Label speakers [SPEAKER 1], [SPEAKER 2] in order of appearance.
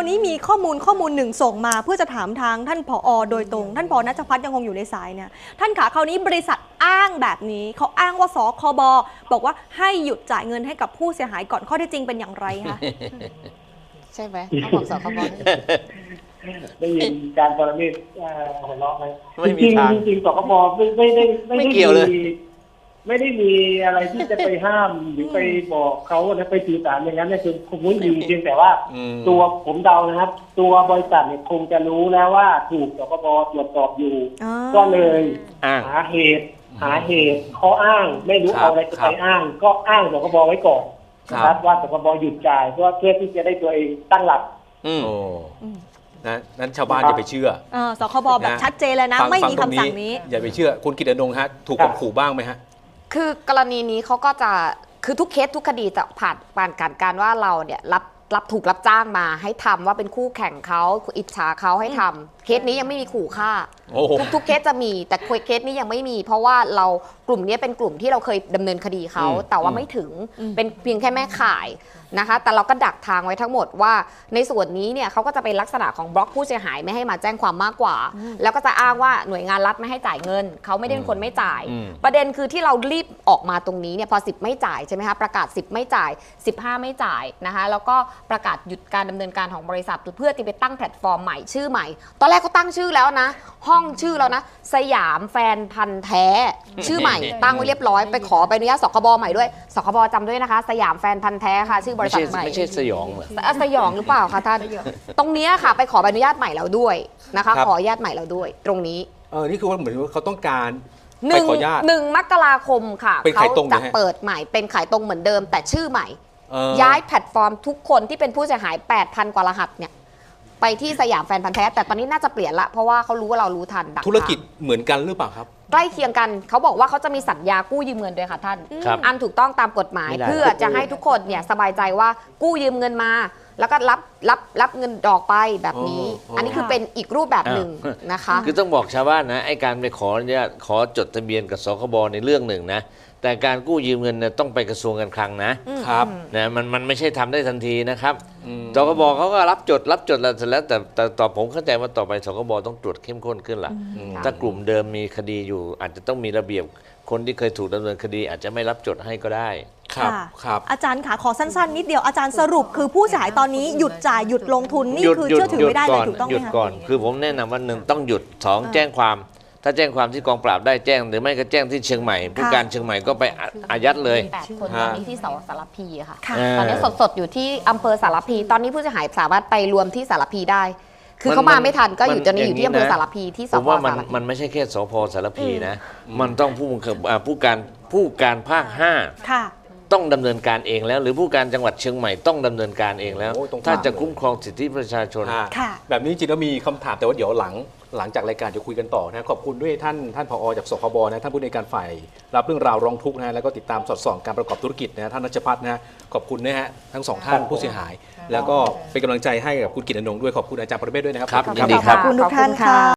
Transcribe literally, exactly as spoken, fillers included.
[SPEAKER 1] าวนี้มีข้อมูลข้อมูลหนึ่งส่งมาเพื่อจะถามทางท่านผอ.โดยตรงท่านผอ.ณัชพัฒน์ยังคงอยู่ในสายเนี่ยท่านขาคราวนี้บริษัทอ้างแบบนี้เขาอ้างว่าสคบบอกว่าให้หยุดจ่ายเงินให้กับผู้เสียหายก่อนข้อเท็จจริงเป็นอย่างไรคะ
[SPEAKER 2] ใช่ไหมเขาบอกสคบ
[SPEAKER 3] ได้ยินการปรเมศหัวเราะไหม
[SPEAKER 4] ไม่มีทาง
[SPEAKER 3] จริงๆสคบไม่ไม่ได้
[SPEAKER 4] ไม่ได้เกี่ยวเลย
[SPEAKER 3] ไม่ได้มีอะไรที่จะไปห้ามหรือไปบอกเขาแล้วไปสื่อสารอย่างนั้นเนี่ยคือคงไม่ดีเพียงแต่ว่าตัวผมเดานะครับตัวบริษัทเนี่ยคงจะรู้แล้วว่าถูกสคบตรวจสอบอยู่ก็เลยหาเหตุหาเหตุข้ออ้างไม่รู้เอาอะไรจะไปอ้างก็อ้างสคบไว้ก่อนนะครับว่าสคบหยุดจ่ายเพื่อเพื่อที่จะได้ตัวเองตั้งหลัก
[SPEAKER 4] อืมโอ้นะนั้นชาวบ้านอย่าไปเชื่อ
[SPEAKER 1] สคบแบบชัดเจนเลยนะไม่มีคำสั่งนี้
[SPEAKER 4] อย่าไปเชื่อคุณกิตติอนงค์ฮะถูกข่มขู่บ้างไหมฮะ
[SPEAKER 2] คือกรณีนี้เขาก็จะคือทุกเคสทุกคดีจะผ่านผ่านการการว่าเราเนี่ยรับรับถูกรับจ้างมาให้ทำว่าเป็นคู่แข่งเขาอิจฉาเขาให้ทำเคสนี้ยังไม่มีขู่ฆ่าทุกทุกเคสจะมีแต่เคสนี้ยังไม่มีเพราะว่าเรากลุ่มนี้เป็นกลุ่มที่เราเคยดำเนินคดีเขาแต่ว่าไม่ถึงเป็นเพียงแค่แม่ข่ายนะคะแต่เราก็ดักทางไว้ทั้งหมดว่าในส่วนนี้เนี่ยเขาก็จะเป็นลักษณะของบล็อกผู้เสียหายไม่ให้มาแจ้งความมากกว่าแล้วก็จะอ้างว่าหน่วยงานรัฐไม่ให้จ่ายเงินเขาไม่ได้เป็นคนไม่จ่ายประเด็นคือที่เรารีบออกมาตรงนี้เนี่ยพอสิบไม่จ่ายใช่ไหมคะประกาศสิบไม่จ่ายสิบห้าไม่จ่ายนะคะแล้วก็ประกาศหยุดการดำเนินการของบริษัทเพื่อที่ไปตั้งแพลตฟอร์มใหม่ชื่อใหม่ตอนแรกเขาตั้งชื่อแล้วนะห้องชื่อแล้วนะสยามแฟนพันธ์แท้ชื่อใหม่ตั้งไว้เรียบร้อยไปขอใบอนุญาตสคบใหม่ด้วยสคบจำด้วยนะคะสยามแฟนพันธ์แท้ค่ะชื่อบริษัทใหม่
[SPEAKER 4] ไม่ใช่สยองเหรอ
[SPEAKER 2] สยองหรือเปล่าคะท่านตรงนี้ค่ะไปขอใบอนุญาตใหม่แล้วด้วยนะคะขออนุญาตใหม่แล้วด้วยตรงนี้
[SPEAKER 4] เออนี่คือว่าเหมือนว่าเขาต้องการ
[SPEAKER 2] หนึ่งหนึ่งมกราคมค่ะเขาจะเปิดใหม่เป็นขายตรงเหมือนเดิมแต่ชื่อใหม่ย้ายแพลตฟอร์มทุกคนที่เป็นผู้เสียหาย แปดพัน กว่ารหัสเนี่ยไปที่สยามแฟนพันธ์แท้แต่ตอนนี้น่าจะเปลี่ยนละเพราะว่าเขารู้ว่าเรารู้ทัน
[SPEAKER 4] ธุรกิจเหมือนกันหรือเปล่าครับ
[SPEAKER 2] ใกล้เคียงกันเขาบอกว่าเขาจะมีสัญญากู้ยืมเงินด้วยค่ะท่านอันถูกต้องตามกฎหมายเพื่อจะให้ทุกคนเนี่ยสบายใจว่ากู้ยืมเงินมาแล้วก็รับรับรับเงินดอกไปแบบนี้อันนี้คือเป็นอีกรูปแบบหนึ่งนะคะ
[SPEAKER 5] คือต้องบอกชาวบ้านนะไอ้การไปขอเนี่ยขอจดทะเบียนกับสคบในเรื่องหนึ่งนะแต่การกู้ยืมเงินเนี่ยต้องไปกระทรวงการคลังนะครับนะมันมันไม่ใช่ทำได้ทันทีนะครับสคบเขาก็รับจดรับจดแล้วเสร็จแล้วแต่แต่ต่อผมเข้าใจว่าต่อไปสคบต้องตรวจเข้มข้นขึ้นล่ะถ้ากลุ่มเดิมมีคดีอยู่อาจจะต้องมีระเบียบคนที่เคยถูกดำเนินคดีอาจจะไม่รับจดให้ก็ได้
[SPEAKER 4] ครับครับ
[SPEAKER 1] อาจารย์ขาขอสั้นๆนิดเดียวอาจารย์สรุปคือผู้เสียหายตอนนี้หยุดจ่ายหยุดลงทุนนี่คือเชื่อถือไม่ได้เลยถูกต้องไหม
[SPEAKER 5] หยุดก่อนคือผมแนะนำว่าหนึ่งต้องหยุดสองแจ้งความถ้าแจ้งความที่กองปราบได้แจ้งหรือไม่ก็แจ้งที่เชียงใหม่ผู้การเชียงใหม่ก็ไปอายัดเลย
[SPEAKER 2] แปดคนตอนนี้ที่สสารพีค่ะตอนนี้สดๆอยู่ที่อำเภอสารพีตอนนี้ผู้เสียหายสามารถไปรวมที่สารพีได้คือเขามาไม่ทันก็อยู่ตอนนี้อยู่ที่อำเภอสารพีที่สพ
[SPEAKER 5] สารพีผมว่ามันมันไม่ใช่แค่สพสารพีนะมันต้องผู้ผู้การผู้การภาคห้าต้องดำเนินการเองแล้วหรือผู้การจังหวัดเชียงใหม่ต้องดำเนินการเองแล้วถ้าจะคุ้มครองสิทธิประชาชน
[SPEAKER 4] แบบนี้จริงๆแล้วมีคำถามแต่ว่าเดี๋ยวหลังหลังจากรายการจะคุยกันต่อนะขอบคุณด้วยท่านท่านผอ.จากสคบนะท่านผู้ในการฝ่ายรับเรื่องราวร้องทุกข์นะแล้วก็ติดตามสอดส่องการประกอบธุรกิจนะท่านณัชพัฒน์นะขอบคุณนะฮะทั้งสองท่านผู้เสียหายแล้วก็เป็นกำลังใจให้กับคุณกิตติอนงค์ด้วยขอบคุณอาจารย์ปรเมศด้วยนะครับ
[SPEAKER 5] ยินดีครับ
[SPEAKER 1] ขอบคุณทุกท่านค่ะ